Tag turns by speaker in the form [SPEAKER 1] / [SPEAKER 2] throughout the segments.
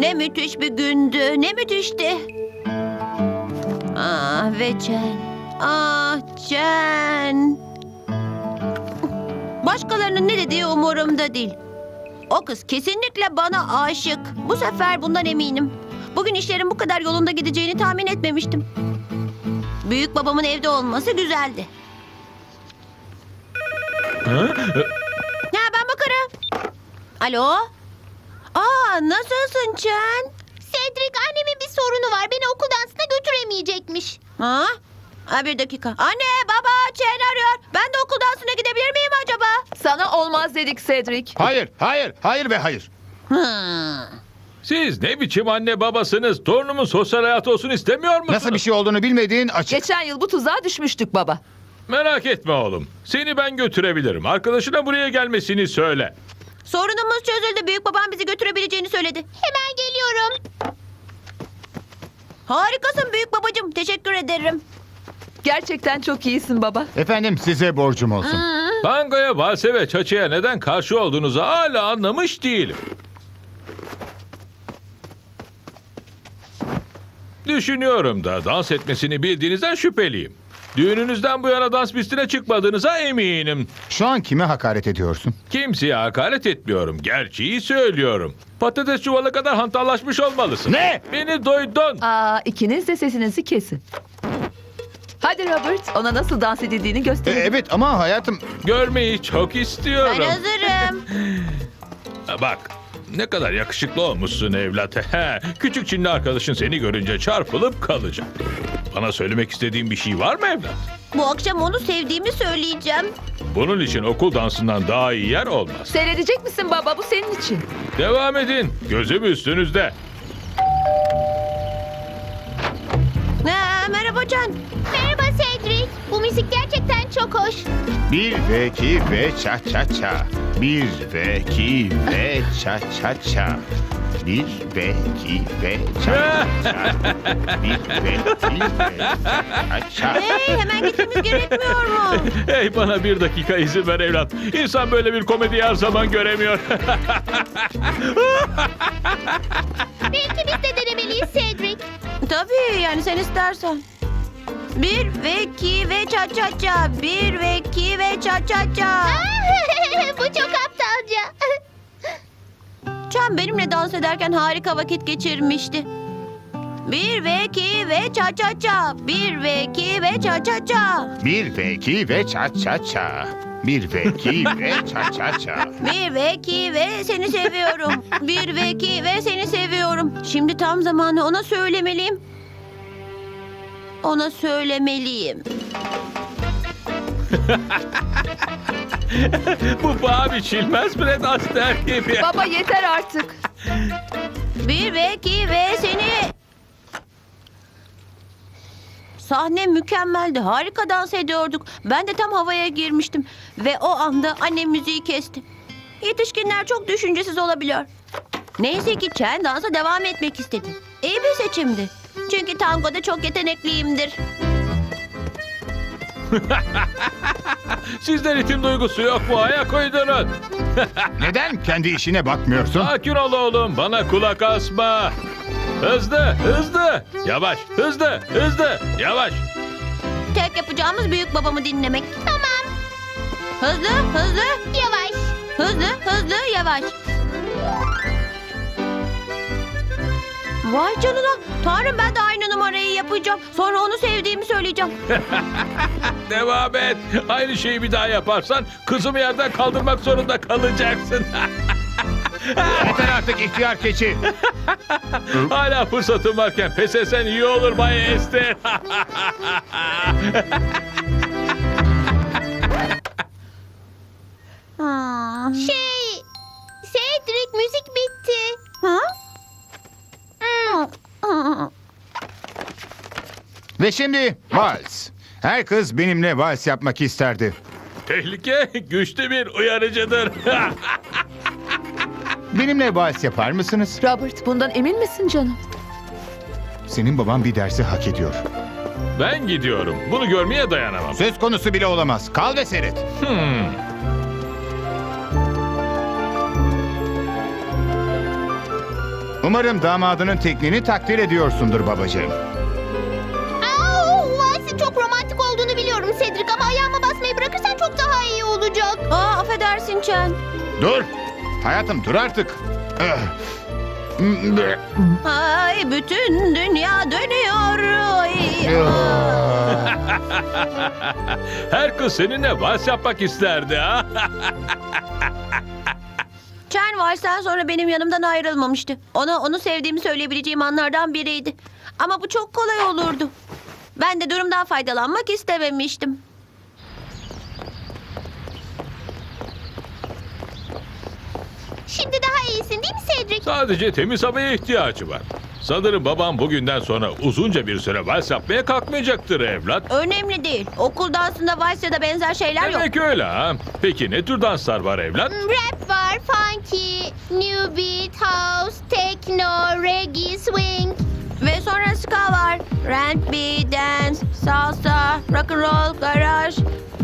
[SPEAKER 1] Ne müthiş bir gündü, ne müthişti. Ah ve Chen. Ah Chen. Başkalarının ne dediği umurumda değil. O kız kesinlikle bana aşık. Bu sefer bundan eminim. Bugün işlerin bu kadar yolunda gideceğini tahmin etmemiştim. Büyük babamın evde olması güzeldi. Ya ben bakarım. Alo? Nasılsın Chen?
[SPEAKER 2] Cedric, annemin bir sorunu var. Beni okul dansına götüremeyecekmiş.
[SPEAKER 1] Bir dakika. Anne, baba, Chen arıyor. Ben de okul dansına gidebilir miyim acaba?
[SPEAKER 3] Sana olmaz dedik Cedric.
[SPEAKER 4] Hayır, hayır, hayır ve hayır.
[SPEAKER 5] Siz ne biçim anne babasınız? Torunumun sosyal hayatı olsun istemiyor musunuz?
[SPEAKER 4] Nasıl bir şey olduğunu bilmediğin açık.
[SPEAKER 3] Geçen yıl bu tuzağa düşmüştük baba.
[SPEAKER 5] Merak etme oğlum. Seni ben götürebilirim. Arkadaşına buraya gelmesini söyle.
[SPEAKER 1] Sorunumuz çözüldü. Büyük babam bizi götürebileceğini söyledi.
[SPEAKER 2] Hemen geliyorum.
[SPEAKER 1] Harikasın büyük babacığım. Teşekkür ederim.
[SPEAKER 3] Gerçekten çok iyisin baba.
[SPEAKER 4] Efendim size borcum olsun.
[SPEAKER 5] Tangoya, valse ve çaçaya neden karşı olduğunuzu hala anlamış değilim. Düşünüyorum da dans etmesini bildiğinizden şüpheliyim. Düğününüzden bu yana dans pistine çıkmadığınıza eminim.
[SPEAKER 4] Şu an kime hakaret ediyorsun?
[SPEAKER 5] Kimseye hakaret etmiyorum. Gerçeği söylüyorum. Patates çuvalı kadar hantallaşmış olmalısın.
[SPEAKER 4] Ne?
[SPEAKER 5] Beni duydun.
[SPEAKER 3] İkiniz de sesinizi kesin. Hadi Robert, ona nasıl dans edildiğini gösterin.
[SPEAKER 4] Evet ama hayatım...
[SPEAKER 5] Görmeyi çok
[SPEAKER 1] Ben
[SPEAKER 5] istiyorum.
[SPEAKER 1] hazırım.
[SPEAKER 5] Bak, ne kadar yakışıklı olmuşsun evlat. Küçük Çinli arkadaşın seni görünce çarpılıp kalacak. Bana söylemek istediğin bir şey var mı evlat?
[SPEAKER 1] Bu akşam onu sevdiğimi söyleyeceğim.
[SPEAKER 5] Bunun için okul dansından daha iyi yer olmaz.
[SPEAKER 3] Seyredecek misin baba? Bu senin için.
[SPEAKER 5] Devam edin. Gözüm üstünüzde.
[SPEAKER 1] Merhaba Can.
[SPEAKER 2] Merhaba Cedric. Bu müzik gerçekten çok hoş.
[SPEAKER 4] 1 ve 2 ve ça ça ça. 1 ve 2 ve ça ça ça. 1 ve 2 ve ça ça ça. 1 ve 2 ve ça ça.
[SPEAKER 1] Hey, hemen gitmemiz gerekmiyor mu?
[SPEAKER 5] Hey, bana bir dakika izin ver evlat. İnsan böyle bir komedi her zaman göremiyor.
[SPEAKER 2] Belki biz de denemeliyiz Cedric.
[SPEAKER 1] Tabii yani sen istersen. 1 ve 2 ve ça ça ça. 1 ve 2 ve ça ça ça.
[SPEAKER 2] Bu çok aptalca.
[SPEAKER 1] Can benimle dans ederken harika vakit geçirmişti. 1 ve 2 ve ça ça ça. 1 ve 2 ve ça ça ça.
[SPEAKER 4] 1 ve 2 ve ça ça ça. 1 ve 2 ve ça ça ça.
[SPEAKER 1] 1 ve 2 ve seni seviyorum. 1 ve 2 ve seni seviyorum. Şimdi tam zamanı ona söylemeliyim. Ona söylemeliyim.
[SPEAKER 5] Bu paha biçilmez Fred Astaire gibi.
[SPEAKER 3] Baba yeter artık.
[SPEAKER 1] 1 ve 2 ve seni... Sahne mükemmeldi. Harika dans ediyorduk. Ben de tam havaya girmiştim. Ve o anda annem müziği kesti. Yetişkinler çok düşüncesiz olabiliyor. Neyse ki Chen dansa devam etmek istedi. İyi bir seçimdi. Çünkü tangoda çok yetenekliyimdir.
[SPEAKER 5] Sizde ritim duygusu yok mu? Ayak uydurun.
[SPEAKER 4] Neden kendi işine bakmıyorsun?
[SPEAKER 5] Sakin ol oğlum. Bana kulak asma. Hızlı, hızlı. Yavaş, hızlı, hızlı. Yavaş.
[SPEAKER 1] Tek yapacağımız büyük babamı dinlemek.
[SPEAKER 2] Tamam.
[SPEAKER 1] Hızlı, hızlı,
[SPEAKER 2] Yavaş.
[SPEAKER 1] hızlı, hızlı, yavaş. Vay canına. Tanrım ben de aynı numarayı yapacağım. Sonra onu sevdiğimi söyleyeceğim.
[SPEAKER 5] Devam et. Aynı şeyi bir daha yaparsan kızımı yerden kaldırmak zorunda kalacaksın.
[SPEAKER 4] Yeter artık ihtiyar keçi.
[SPEAKER 5] Hala fırsatın varken pes etsen iyi olur Bay Esther.
[SPEAKER 2] Cedric, müzik bitti.
[SPEAKER 1] Ha?
[SPEAKER 4] Ve şimdi vals. Her kız benimle vals yapmak isterdi.
[SPEAKER 5] Tehlike güçlü bir uyarıcıdır.
[SPEAKER 4] Benimle vals yapar mısınız?
[SPEAKER 3] Robert, bundan emin misin canım?
[SPEAKER 4] Senin baban bir dersi hak ediyor.
[SPEAKER 5] Ben gidiyorum. Bunu görmeye dayanamam.
[SPEAKER 4] Söz konusu bile olamaz. Kal ve seyret. Umarım damadının tekniğini takdir ediyorsundur babacığım.
[SPEAKER 2] Valsin çok romantik olduğunu biliyorum Cedric ama ayağıma basmayı bırakırsan çok daha iyi olacak.
[SPEAKER 1] Affedersin Chen.
[SPEAKER 4] Dur. Hayatım dur artık.
[SPEAKER 1] Ay, bütün dünya dönüyor. Ay.
[SPEAKER 5] Her kız seninle vals yapmak isterdi ha.
[SPEAKER 1] Chen valsten sonra benim yanımdan ayrılmamıştı. Ona onu sevdiğimi söyleyebileceğim anlardan biriydi. Ama bu çok kolay olurdu. Ben de durumdan faydalanmak istememiştim.
[SPEAKER 2] Şimdi daha iyisin değil mi Cedric?
[SPEAKER 5] Sadece temiz havaya ihtiyacı var. Sanırım babam bugünden sonra uzunca bir süre vals yapmaya kalkmayacaktır evlat.
[SPEAKER 1] Önemli değil. Okul dansında vals ya da benzer şeyler yok.
[SPEAKER 5] Demek öyle ha. Peki ne tür danslar var evlat?
[SPEAKER 2] Rap var, funky, new beat, house, techno, reggae, swing.
[SPEAKER 1] Ve sonra ska var. R&B, dance, salsa, rock and roll, garaj.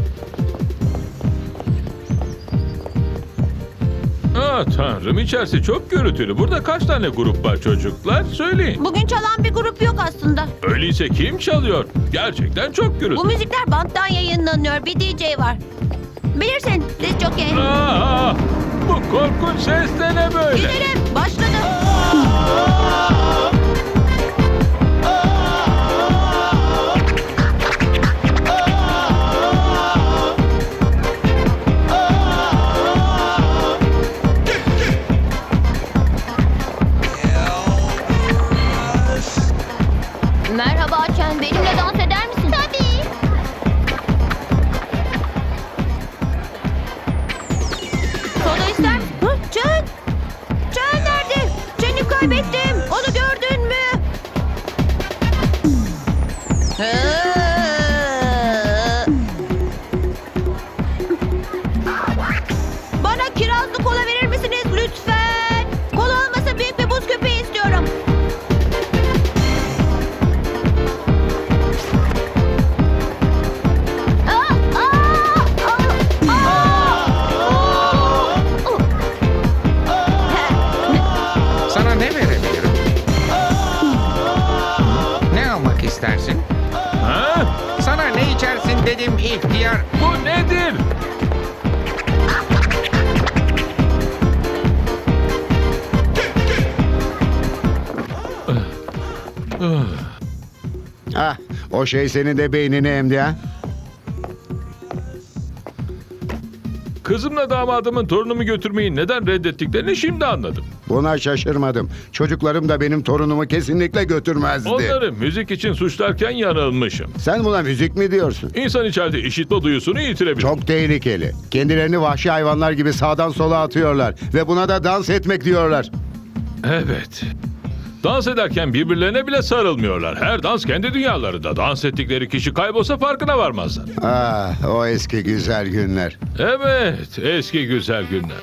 [SPEAKER 5] Tanrım, içerisi çok gürültülü. Burada kaç tane grup var çocuklar? Söyleyin.
[SPEAKER 1] Bugün çalan bir grup yok aslında.
[SPEAKER 5] Öyleyse kim çalıyor? Gerçekten çok
[SPEAKER 1] Bu
[SPEAKER 5] gürültülü.
[SPEAKER 1] müzikler banttan yayınlanıyor. Bir DJ var. Bilirsin, diz jockey.
[SPEAKER 5] Bu korkunç ses de ne böyle?
[SPEAKER 1] Gidelim. Başladı. Merhaba Chen, benimle dans eder misin?
[SPEAKER 2] Tabii.
[SPEAKER 1] Soda ister misin? Hı? Chen! Chen nerede? Chen'i kaybettim. Onu gördün mü? Bana kirazlı kola verir misiniz lütfen? Kola olmasa büyük bir buz köpeği istiyorum.
[SPEAKER 6] Sana ne verebilirim? Ne almak istersin?
[SPEAKER 5] Ha?
[SPEAKER 6] Sana ne içersin dedim ihtiyar.
[SPEAKER 5] Bu nedir?
[SPEAKER 4] Ah, o şey senin de beynini emdi ha?
[SPEAKER 5] Kızımla damadımın torunumu götürmeyi neden reddettiklerini şimdi anladım.
[SPEAKER 4] Buna şaşırmadım. Çocuklarım da benim torunumu kesinlikle götürmezdi.
[SPEAKER 5] Onları müzik için suçlarken yanılmışım.
[SPEAKER 4] Sen buna müzik mi diyorsun?
[SPEAKER 5] İnsan içeride işitme duyusunu yitirebilir.
[SPEAKER 4] Çok tehlikeli. Kendilerini vahşi hayvanlar gibi sağdan sola atıyorlar. Ve buna da dans etmek diyorlar.
[SPEAKER 5] Evet. Dans ederken birbirlerine bile sarılmıyorlar. Her dans kendi dünyalarında. Dans ettikleri kişi kaybolsa farkına varmazlar.
[SPEAKER 4] Ah, o eski güzel günler.
[SPEAKER 5] Evet, eski güzel günler.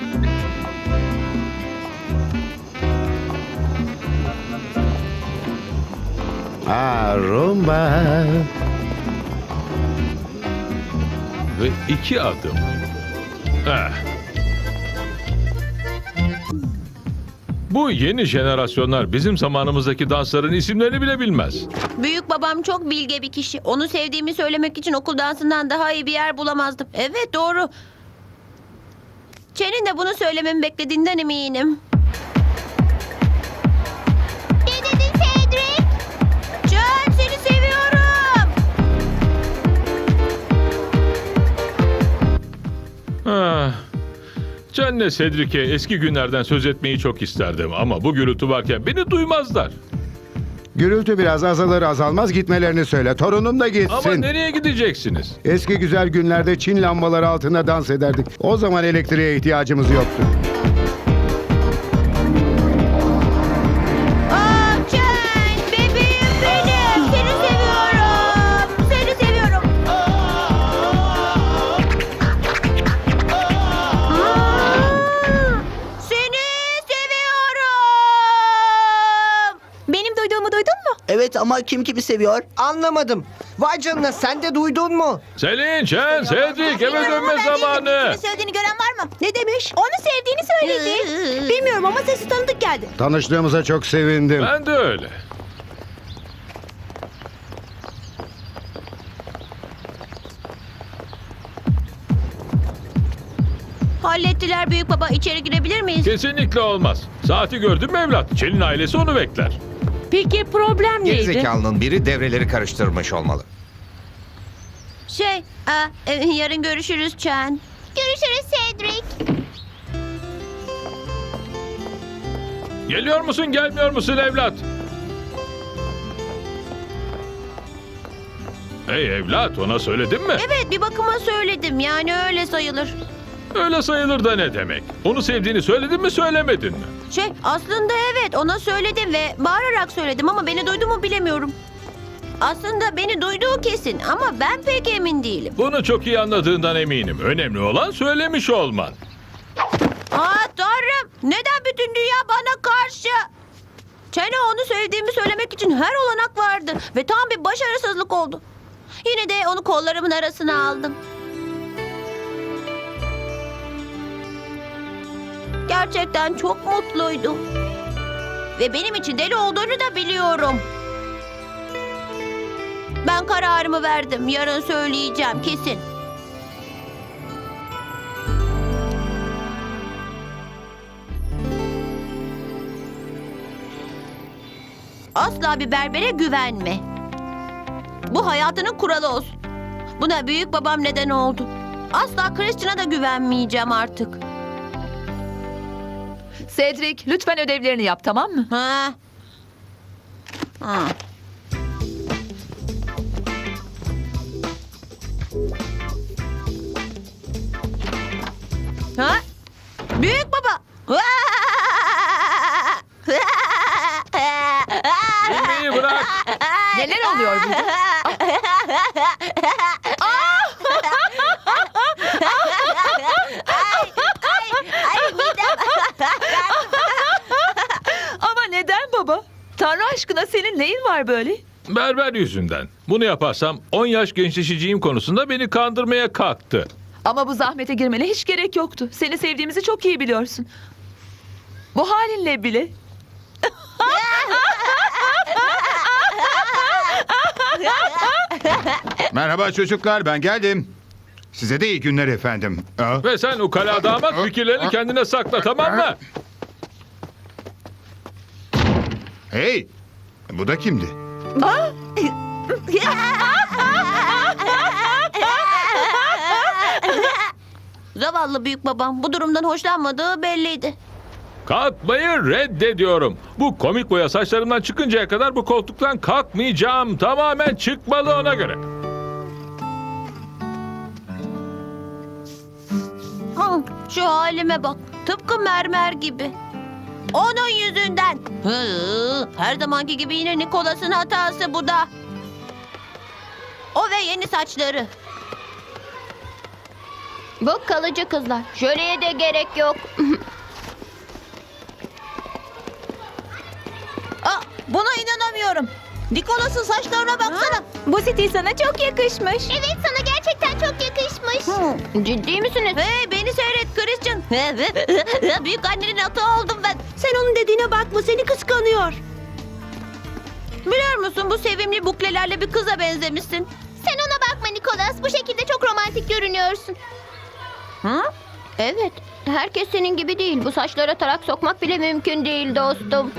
[SPEAKER 4] Ah, rumba.
[SPEAKER 5] Ve 2 adım. Bu yeni jenerasyonlar bizim zamanımızdaki dansların isimlerini bile bilmez.
[SPEAKER 1] Büyük babam çok bilge bir kişi. Onu sevdiğimi söylemek için okul dansından daha iyi bir yer bulamazdım. Evet, doğru. Chen'in de bunu söylememi beklediğinden eminim.
[SPEAKER 2] Ne dedin Cedric?
[SPEAKER 1] Chen, seni seviyorum.
[SPEAKER 5] Can'le Cedric'e eski günlerden söz etmeyi çok isterdim ama bu gürültü varken beni duymazlar.
[SPEAKER 4] Gürültü biraz azalır azalmaz gitmelerini söyle. Torunum da gitsin.
[SPEAKER 5] Ama nereye gideceksiniz?
[SPEAKER 4] Eski güzel günlerde Çin lambaları altında dans ederdik. O zaman elektriğe ihtiyacımız yoktu.
[SPEAKER 1] Chen, bebeğim benim. Seni seviyorum. Seni seviyorum. Seni seviyorum.
[SPEAKER 2] Benim duyduğumu duydun mu?
[SPEAKER 7] Evet ama kim kimi seviyor? Anlamadım. Vay canına, sen de duydun mu?
[SPEAKER 5] Selin, Chen, Cedric eve dönme zamanı.
[SPEAKER 1] Söylediğini gören var mı? Ne demiş? Onu sevdiğini söyledi. Bilmiyorum ama sesi tanıdık geldi.
[SPEAKER 8] Tanıştığımıza çok sevindim.
[SPEAKER 5] Ben de öyle.
[SPEAKER 1] Hallettiler büyük baba. İçeri girebilir miyiz?
[SPEAKER 5] Kesinlikle olmaz. Saati gördün mü evlat? Chel'in ailesi onu bekler.
[SPEAKER 1] Peki problem
[SPEAKER 6] Gerizekalının biri devreleri karıştırmış olmalı.
[SPEAKER 1] Yarın görüşürüz Chen.
[SPEAKER 2] Görüşürüz Cedric.
[SPEAKER 5] Geliyor musun, gelmiyor musun evlat? Hey evlat, ona söyledin mi?
[SPEAKER 1] Evet, bir bakıma söyledim. Yani öyle sayılır.
[SPEAKER 5] Öyle sayılır da ne demek? Onu sevdiğini söyledin mi, söylemedin mi?
[SPEAKER 1] Aslında evet, ona söyledim ve bağırarak söyledim ama beni duydu mu bilemiyorum. Aslında beni duyduğu kesin ama ben pek emin değilim.
[SPEAKER 5] Bunu çok iyi anladığından eminim. Önemli olan söylemiş olman.
[SPEAKER 1] Tanrım, neden bütün dünya bana karşı? Chen'e onu sevdiğimi söylemek için her olanak vardı ve tam bir başarısızlık oldu. Yine de onu kollarımın arasına aldım. Gerçekten çok mutluydu. Ve benim için deli olduğunu da biliyorum. Ben kararımı verdim. Yarın söyleyeceğim kesin. Asla bir berbere güvenme. Bu hayatının kuralı olsun. Buna büyük babam neden oldu. Asla Christian'a da güvenmeyeceğim artık.
[SPEAKER 3] Cedric, lütfen ödevlerini yap, tamam mı?
[SPEAKER 1] Ha. Ha. Ha? Büyük baba.
[SPEAKER 5] Gülmeyi bırak.
[SPEAKER 3] Neler oluyor burada? Ama neden baba? Tanrı aşkına senin neyin var böyle?
[SPEAKER 5] Berber yüzünden. Bunu yaparsam 10 yaş gençleşeceğim konusunda beni kandırmaya kalktı.
[SPEAKER 3] Ama bu zahmete girmene hiç gerek yoktu. Seni sevdiğimizi çok iyi biliyorsun. Bu halinle bile.
[SPEAKER 8] Merhaba çocuklar, ben geldim. Size de iyi günler efendim.
[SPEAKER 5] Ve sen ukala damat fikirlerini kendine sakla, tamam mı?
[SPEAKER 8] Hey, bu da kimdi?
[SPEAKER 1] Zavallı büyük babam bu durumdan hoşlanmadığı belliydi.
[SPEAKER 5] Kalkmayı reddediyorum. Bu komik boya saçlarımdan çıkıncaya kadar bu koltuktan kalkmayacağım. Tamamen çıkmalı ona göre.
[SPEAKER 1] Şu halime bak. Tıpkı mermer gibi. Onun yüzünden. Her zamanki gibi yine Nicholas'ın hatası bu da. O ve yeni saçları.
[SPEAKER 2] Bu kalıcı kızlar. Jöleye de gerek yok.
[SPEAKER 1] Buna inanamıyorum. Nicholas'ın saçlarına baksana.
[SPEAKER 2] Bu stil sana çok yakışmış. Evet, sana gerçekten çok yakışmış. Ciddi misiniz?
[SPEAKER 1] Hey, beni seyret Christian. Büyük annenin atı oldum ben. Sen onun dediğine bakma, seni kıskanıyor. Biliyor musun, bu sevimli buklelerle bir kıza benzemişsin.
[SPEAKER 2] Sen ona bakma Nicholas. Bu şekilde çok romantik görünüyorsun.
[SPEAKER 1] Hı?
[SPEAKER 2] Evet. Herkes senin gibi değil. Bu saçlara tarak sokmak bile mümkün değil dostum.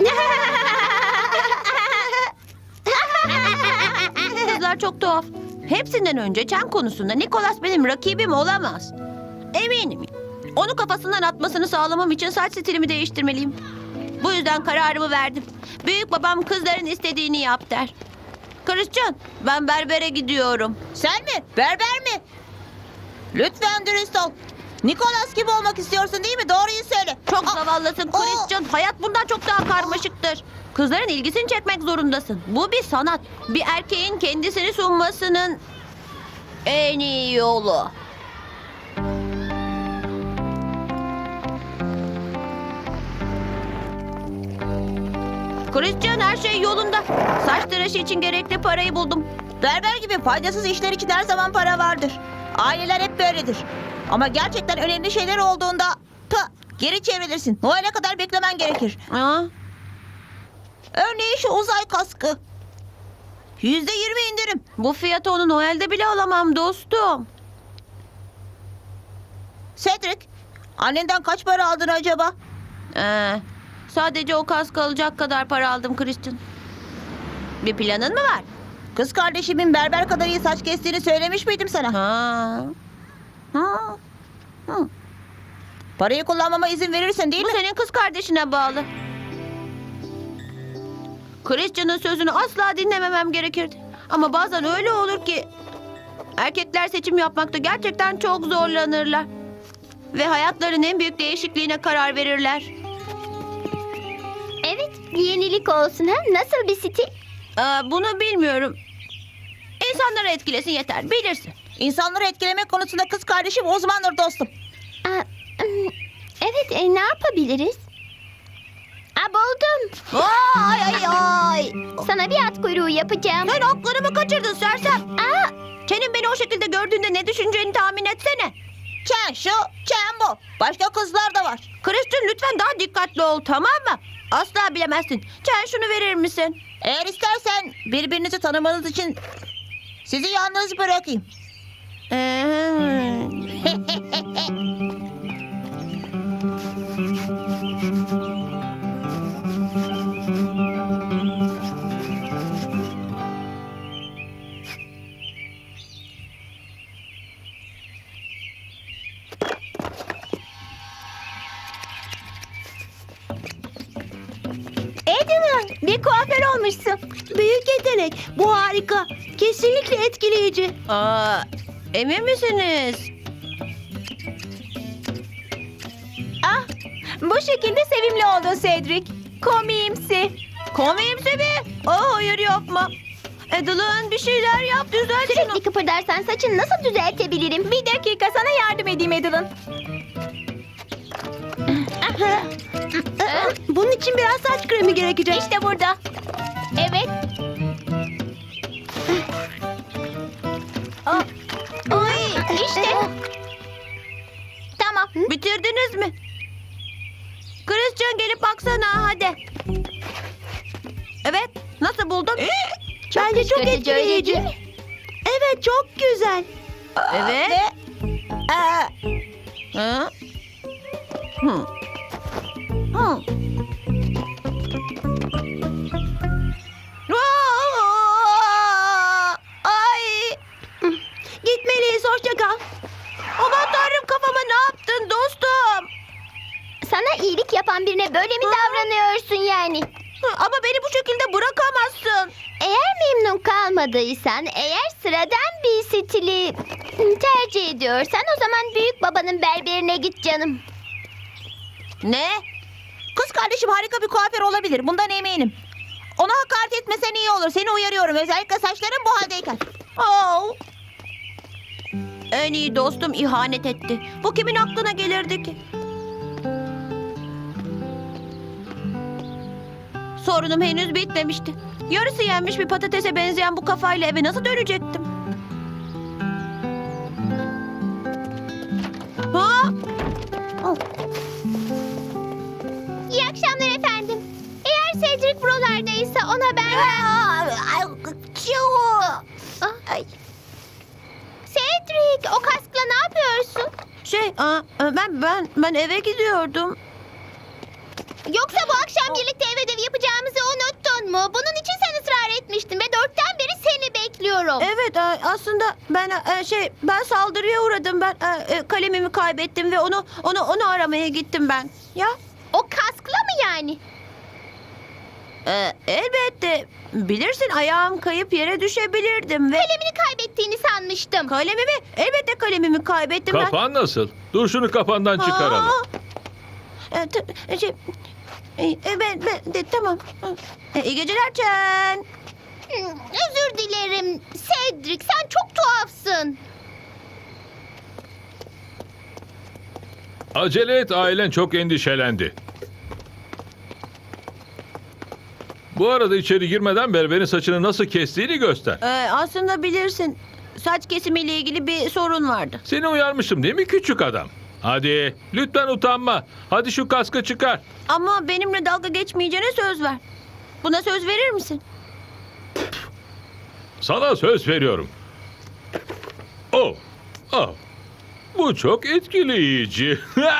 [SPEAKER 1] Kızlar çok tuhaf. Hepsinden önce Chen konusunda Nicholas benim rakibim olamaz. Eminim. Onu kafasından atmasını sağlamam için saç stilimi değiştirmeliyim. Bu yüzden kararımı verdim. Büyük babam kızların istediğini yap der. Christian, ben berbere gidiyorum. Sen mi? Berber mi? Lütfen dürüst ol. Nicholas gibi olmak istiyorsun değil mi? Doğruyu söyle. Çok zavallısın Christian. Hayat bundan çok daha karmaşıktır. Kızların ilgisini çekmek zorundasın. Bu bir sanat. Bir erkeğin kendisini sunmasının en iyi yolu. Christian, her şey yolunda. Saç tıraşı için gerekli parayı buldum.
[SPEAKER 9] Berber gibi faydasız işler için her zaman para vardır. Aileler hep böyledir. Ama gerçekten önemli şeyler olduğunda geri çevrilirsin. Noel'e kadar beklemen gerekir.
[SPEAKER 1] Aa,
[SPEAKER 9] Örneğin şu uzay kaskı. %20 indirim.
[SPEAKER 1] bu fiyatı onu Noel'de bile alamam dostum.
[SPEAKER 9] Cedric, annenden kaç para aldın acaba?
[SPEAKER 1] Sadece o kask alacak kadar para aldım Christian. Bir planın mı var?
[SPEAKER 9] Kız kardeşimin berber kadar iyi saç kestiğini söylemiş miydim sana?
[SPEAKER 1] Ha. Ha.
[SPEAKER 9] Parayı kullanmama izin verirsin değil
[SPEAKER 1] Bu
[SPEAKER 9] mi?
[SPEAKER 1] senin kız kardeşine bağlı. Christian'ın sözünü asla dinlememem gerekirdi. Ama bazen öyle olur ki erkekler seçim yapmakta gerçekten çok zorlanırlar. Ve hayatlarının en büyük değişikliğine karar verirler.
[SPEAKER 2] Evet, bir yenilik olsun ha. Nasıl bir stil?
[SPEAKER 1] Bunu bilmiyorum. İnsanları etkilesin yeter, bilirsin.
[SPEAKER 9] İnsanları etkilemek konusunda kız kardeşim uzmandır dostum.
[SPEAKER 2] Evet, ne yapabiliriz? Buldum.
[SPEAKER 1] Ay ay ay.
[SPEAKER 2] Sana bir at kuyruğu yapacağım.
[SPEAKER 1] Sen aklını kaçırdın sersem? Senin beni o şekilde gördüğünde ne düşüneceğini tahmin etsene.
[SPEAKER 9] Çen şu, çen bu. Başka kızlar da var.
[SPEAKER 1] Christian lütfen daha dikkatli ol, tamam mı? Asla bilemezsin. Sen şunu verir misin?
[SPEAKER 9] Eğer istersen birbirinizi tanımanız için sizi yalnız bırakayım.
[SPEAKER 1] Edwin, bir kuaför olmuşsun. Büyük yetenek. Bu harika. Kesinlikle etkileyici. Emin misiniz? Bu şekilde sevimli oldun Cedric. Komiyimsi. Komiyimsi mi? Hayır yapma. Edwin bir şeyler yap, düzelt şunu.
[SPEAKER 2] Sürekli kıpırdarsan saçını nasıl düzeltebilirim?
[SPEAKER 1] Bir dakika, sana yardım edeyim Edwin. Bunun için biraz saç kremi gerekecek. İşte burada.
[SPEAKER 2] Evet.
[SPEAKER 1] Ay,
[SPEAKER 2] İşte. Tamam.
[SPEAKER 1] bitirdiniz mi? Christian gelip baksana hadi. Evet, nasıl buldun? Bence çok
[SPEAKER 2] kırıcı, öyle
[SPEAKER 1] etkileyici.
[SPEAKER 2] değil mi?
[SPEAKER 1] Evet, çok güzel. Evet. Hı? Hı. Hı. Ay. Gitmeliyiz, hoşça kal. Aman tanrım, kafama ne yaptın dostum?
[SPEAKER 2] Sana iyilik yapan birine böyle mi davranıyorsun yani?
[SPEAKER 1] Ama beni bu şekilde bırakamazsın.
[SPEAKER 2] Eğer memnun kalmadıysan, eğer sıradan bir stili tercih ediyorsan o zaman büyük babanın berberine git canım.
[SPEAKER 1] Ne?
[SPEAKER 9] Kız kardeşim harika bir kuaför olabilir. Bundan eminim. Ona hakaret etmesen iyi olur. Seni uyarıyorum. Özellikle saçların bu haldeyken.
[SPEAKER 1] Oh. En iyi dostum ihanet etti. Bu kimin aklına gelirdi ki? Sorunum henüz bitmemişti. Yarısı yenmiş bir patatese benzeyen bu kafayla eve nasıl dönecektim? Ha?
[SPEAKER 2] İyi akşamlar efendim. Eğer Cedric buralardaysa ona ben... Ay. Cedric, o kaskla ne yapıyorsun?
[SPEAKER 1] Ben eve gidiyordum.
[SPEAKER 2] Yoksa bu akşam birlikte ev ödevi yapacağımızı unuttun mu? Bunun için sen ısrar etmiştin ve 4'ten beri seni bekliyorum.
[SPEAKER 1] Evet, aslında ben saldırıya uğradım. Ben kalemimi kaybettim ve onu aramaya gittim ben. Ya?
[SPEAKER 2] O kaskla mı yani?
[SPEAKER 1] Elbette. Bilirsin, ayağım kayıp yere düşebilirdim ve...
[SPEAKER 2] Kalemini kaybettiğini sanmıştım.
[SPEAKER 1] Kalemimi? Elbette kalemimi kaybettim ben.
[SPEAKER 5] Kapan nasıl? Dur şunu kafandan çıkaralım.
[SPEAKER 1] Tamam. İyi geceler Çen.
[SPEAKER 2] Özür dilerim. Cedric, sen çok tuhafsın.
[SPEAKER 5] Acele et, ailen çok endişelendi. Bu arada içeri girmeden berberin saçını nasıl kestiğini göster.
[SPEAKER 1] Aslında bilirsin. Saç kesimiyle ilgili bir sorun vardı.
[SPEAKER 5] Seni uyarmıştım değil mi küçük adam? Hadi lütfen utanma. Hadi şu kaskı çıkar.
[SPEAKER 1] Ama benimle dalga geçmeyeceğine söz ver. Buna söz verir misin?
[SPEAKER 5] Sana söz veriyorum. Oh. Oh. Bu çok etkileyici.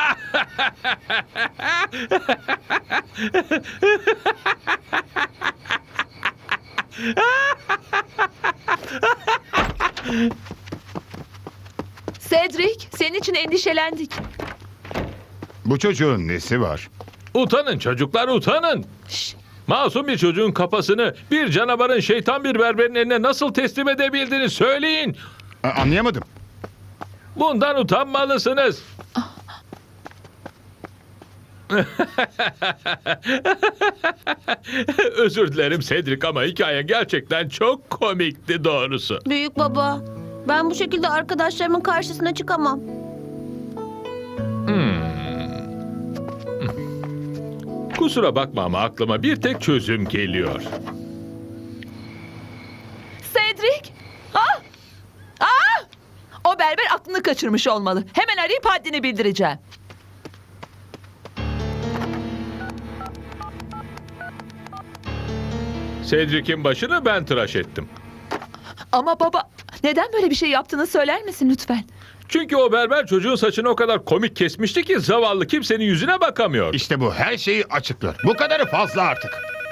[SPEAKER 3] Cedric, senin için endişelendik.
[SPEAKER 8] Bu çocuğun nesi var?
[SPEAKER 5] Utanın çocuklar, utanın.
[SPEAKER 3] Şşt,
[SPEAKER 5] Masum bir çocuğun kafasını bir canavarın, şeytan bir berberin eline nasıl teslim edebildiğini söyleyin.
[SPEAKER 8] Anlayamadım.
[SPEAKER 5] Bundan utanmalısınız. Özür dilerim Cedric ama hikaye gerçekten çok komikti doğrusu.
[SPEAKER 1] Büyük baba, ben bu şekilde arkadaşlarımın karşısına çıkamam.
[SPEAKER 5] Kusura bakma ama aklıma bir tek çözüm geliyor.
[SPEAKER 3] Cedric! Ah! Ah! O berber aklını kaçırmış olmalı. Hemen arayıp haddini bildireceğim.
[SPEAKER 5] Cedric'in başını ben tıraş ettim.
[SPEAKER 3] Ama baba, neden böyle bir şey yaptığını söyler misin lütfen?
[SPEAKER 5] Çünkü o berber çocuğun saçını o kadar komik kesmişti ki zavallı kimsenin yüzüne bakamıyor.
[SPEAKER 8] İşte bu her şeyi açıklar. Bu kadarı fazla artık.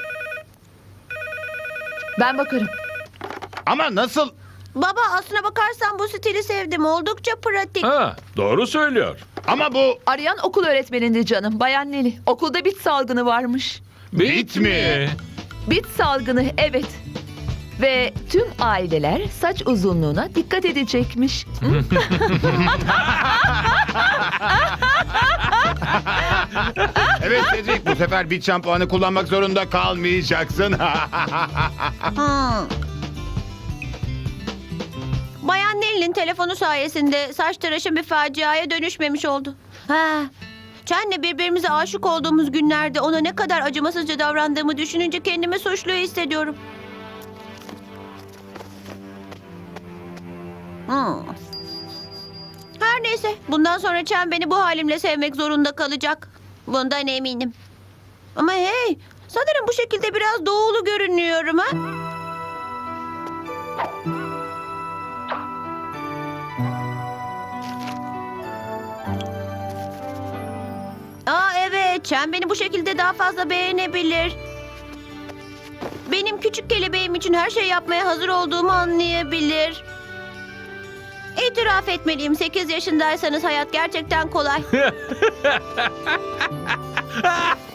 [SPEAKER 3] Ben bakarım.
[SPEAKER 8] Ama nasıl?
[SPEAKER 1] Baba, aslına bakarsan bu stili sevdim. Oldukça pratik.
[SPEAKER 5] Ha, doğru söylüyor.
[SPEAKER 8] Ama bu
[SPEAKER 3] Arayan okul öğretmenindi canım, Bayan Neli. Okulda bit salgını varmış.
[SPEAKER 5] Bit mi?
[SPEAKER 3] Bit salgını, evet. Ve tüm aileler saç uzunluğuna dikkat edecekmiş.
[SPEAKER 8] evet Cedric, bu sefer bit şampuanı kullanmak zorunda kalmayacaksın.
[SPEAKER 1] Hmm. Bayan Nell'in telefonu sayesinde saç tıraşım bir faciaya dönüşmemiş oldu. Chen'le birbirimize aşık olduğumuz günlerde ona ne kadar acımasızca davrandığımı düşününce kendimi suçlu hissediyorum. Her neyse, bundan sonra Chen beni bu halimle sevmek zorunda kalacak. Bundan eminim. Ama hey, sanırım bu şekilde biraz doğulu görünüyorum ha? Evet, Chen beni bu şekilde daha fazla beğenebilir. Benim küçük kelebeğim için her şey yapmaya hazır olduğumu anlayabilir. İtiraf etmeliyim, 8 yaşındaysanız hayat gerçekten kolay.